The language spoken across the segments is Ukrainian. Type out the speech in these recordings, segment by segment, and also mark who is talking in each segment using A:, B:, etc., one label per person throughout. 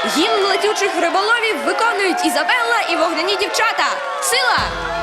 A: Гімн летючих риболовів виконують Ізабелла і вогняні дівчата. Сила!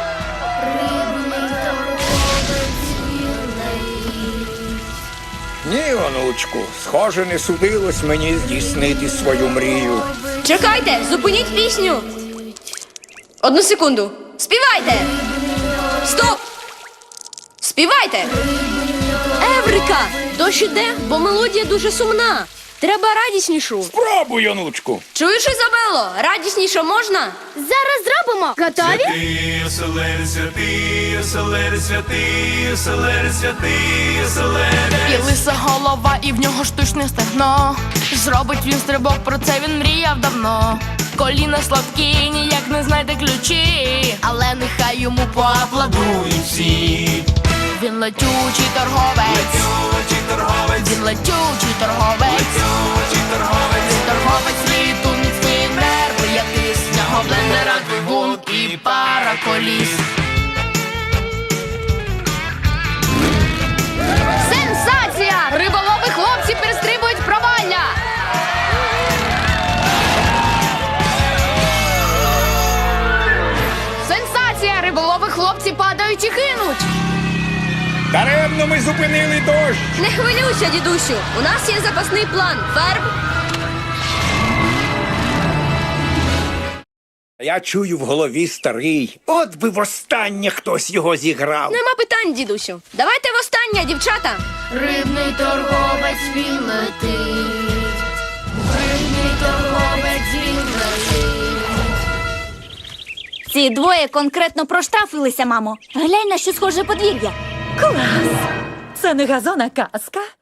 B: Ні, онучку, схоже, не судилось мені здійснити свою мрію.
A: Чекайте, зупиніть пісню. Одну секунду. Співайте! Стоп! Співайте! Еврика! Дощ іде, бо мелодія дуже сумна. Треба радіснішу.
B: Спробуй, онучку.
A: Чуєш, Ізабело? Радісніше можна?
C: Зараз зробимо. Готові?
D: Святий, оселери, святий, оселери, святий, оселери, святий, оселери.
E: І лиса голова, і в нього штучне стегно. Зробить він стрибок, про це він мріяв давно. Коліна слабкі, ніяк не знайде ключі, але нехай йому поаплодують всі. Він летючий торговець,
D: Летючий торговець,
E: він летючий торговець,
D: летючий торговець.
E: він торговець світу, міцний нерви, як тисняго блендера, двигун і пара коліс.
C: Сенсація! Риболови хлопці перестрибують провалля! Сенсація! Риболови хлопці падають і гинуть!
B: Даремно ми зупинили дощ.
A: Не хвилюйся, дідусю. У нас є запасний план. Ферб.
B: Я чую в голові старий. От би востаннє хтось його зіграв.
A: Нема питань, дідусю. Давайте востаннє, дівчата.
E: Рибний торговець він летить, рибний торговець він летить.
C: Ці двоє конкретно проштрафилися, мамо. Глянь, на що схоже подвір'я.
F: Клас! Це не газон, а казка.